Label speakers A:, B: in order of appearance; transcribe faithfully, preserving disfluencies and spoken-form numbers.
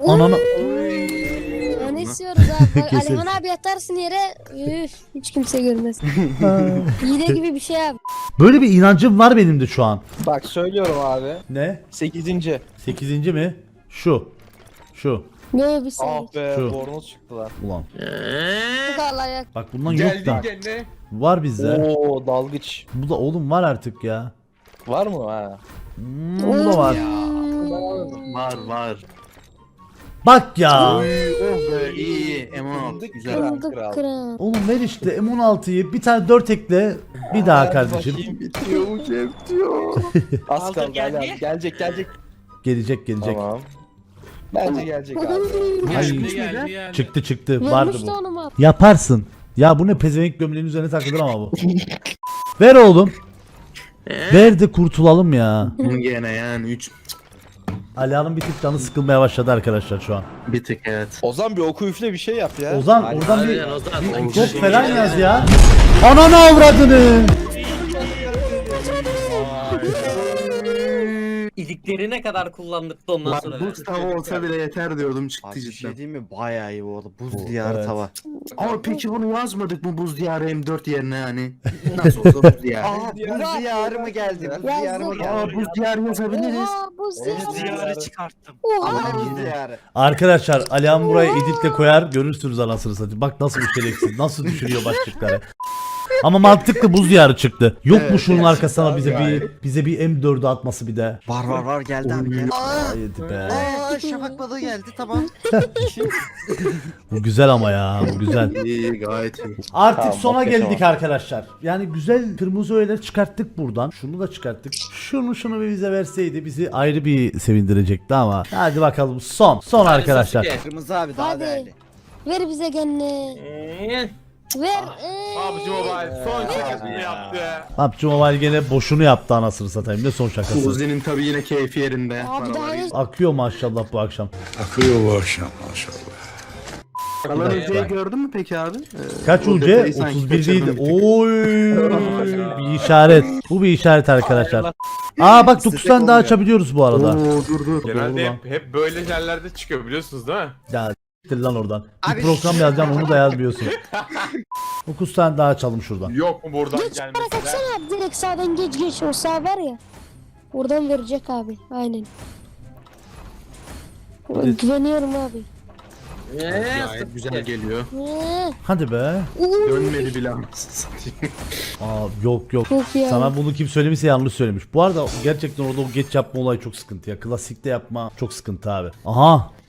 A: Ananı.
B: Ne istiyoruz abi? Bak,
A: Kesin.
B: Alihan abi yatarsın yere. Üf, hiç kimse görmez. Hile gibi bir şey abi.
A: Böyle bir inancım var benim de şu an.
C: Bak söylüyorum abi.
A: Ne?
C: Sekizinci.
A: Sekizinci mi? Şu. Şu.
B: Böyle bir şey.
C: Ah be
A: Şu.
C: bornoz çıktılar.
A: Ulan.
B: Allah ya.
A: Bak bundan yok da.
D: gene.
A: Var bizde.
C: Oo dalgıç.
A: Bu da oğlum var artık ya.
C: Var mı ha?
A: Hmm, bu da var.
E: Var var.
A: Bak ya.
E: Oh be iyi. M on altı güzel.
C: Kral,
B: Bulduk
C: kral.
B: kral.
A: Oğlum ver işte M on altıyı bir tane dört ekle. Bir daha
C: Hadi
A: kardeşim.
C: bakayım, bitiyor bu şey bitiyor. Az
D: Aldım,
C: kaldı
D: geldi.
C: hala. Gelecek gelecek.
A: Gelecek gelecek.
C: Tamam. Bence gelecek abi.
A: Ay,
D: Geldi geldi geldi.
A: çıktı çıktı. Vardı
B: Vermiş de
A: bu.
B: onu mu?
A: Yaparsın. Ya bu ne pezevenk gömleğin üzerine takılır ama bu. Ver oğlum. Ver de kurtulalım ya.
E: Gene yani üç
A: Alihan'ın bir tık canı sıkılmaya başladı arkadaşlar şu an.
E: bir tık evet.
C: Ozan bir oku üfle bir şey yap ya.
A: Ozan
C: Hadi.
A: oradan bir,
D: Aynen, Ozan.
A: bir top falan yaz ya. Ananı avradını.
F: İliklerine kadar kullandık da ondan
E: Bak
F: sonra.
E: buz tava olsa bile yeter diyordum çıktı
G: Abi bir
E: cidden.
G: şey diyeyim mi? Bayağı iyi bu arada. Buz
A: Bu,
G: diyarı
A: evet.
G: tava.
E: Ama peki bunu yazmadık mı buz diyarı M dört yerine hani? Nasıl olsa buz diyarı.
G: Aa buz diyarı mı geldi? Buz diyarı mı
E: Aa
G: geldi?
E: buz diyarı yazabiliriz.
B: Oha buz
C: Evet,
B: diyarı.
C: diyarı
F: çıkarttım.
B: Oha.
G: Buz diyarı.
A: Arkadaşlar Alihan buraya editle koyar görürsünüz anasını satayım. Bak nasıl bir şerefsiz nasıl düşürüyor başlıkları. Ama mantıklı buz diyarı çıktı. Yok mu
E: Evet,
A: şunun
E: gerçekten
A: arkasına bize
E: gayet.
A: bir bize bir M dört'ü atması bir de.
G: Var var var geldi abi geldi.
A: Haydi be.
G: Aa şafak balığı geldi tamam.
A: Bu güzel ama ya bu güzel.
E: İyi gayet iyi.
A: Artık
C: Tamam,
A: sona
C: okey,
A: geldik
C: tamam.
A: arkadaşlar. Yani güzel kırmızı öğeler çıkarttık buradan. Şunu da çıkarttık. Şunu şunu bir bize verseydi bizi ayrı bir sevindirecekti ama. Hadi bakalım son. Son arkadaşlar.
G: Kırmızı abi daha
B: Hadi.
G: değerli.
B: Ver bize gene. Ver. Ee.
D: PUBG Mobile son şakasını yaptı.
A: P U B G Mobile gene boşunu yaptı anasını satayım. Ne son şakası.
E: Uzi'nin tabi yine keyfi yerinde.
B: Abi daha
E: Paraları-
B: ne?
A: Akıyor maşallah bu akşam.
H: Akıyor bu akşam maşallah.
E: Kalan Uzi'yi gördün mü peki abi? Ee,
A: Kaç
E: o
A: U C?
E: detayı sanki
A: otuz bir
E: kaçırdım
A: değil.
E: bir tık.
A: Oy. Bir işaret. Bu bir işaret arkadaşlar. Aa bak dokuz tane daha açabiliyoruz bu arada.
E: Oo dur dur.
D: Genelde
A: Doğru lan.
D: hep, hep böyle yerlerde çıkıyor biliyorsunuz değil mi?
A: Ya s**tir lan oradan. Bir program yazacağım onu da yazmıyorsun. dokuz tane daha açalım şuradan.
D: Yok mu buradan
B: Geç para
D: gelmesi?
B: kaçsana abi. Direkt sağdan geç geç. O sağ var ya. Oradan verecek abi. Aynen.
A: Evet.
B: Güveniyorum abi.
E: Gayet güzel geliyor.
B: Ee,
A: Hadi be.
B: uuu.
E: Dönmedi bile anasını satayım.
A: Aa yok yok.
B: Çok ya.
A: Sana bunu kim söylemişse yanlış söylemiş. Bu arada gerçekten orada o geç yapma olayı çok sıkıntı ya. Klasikte yapma çok sıkıntı abi. Aha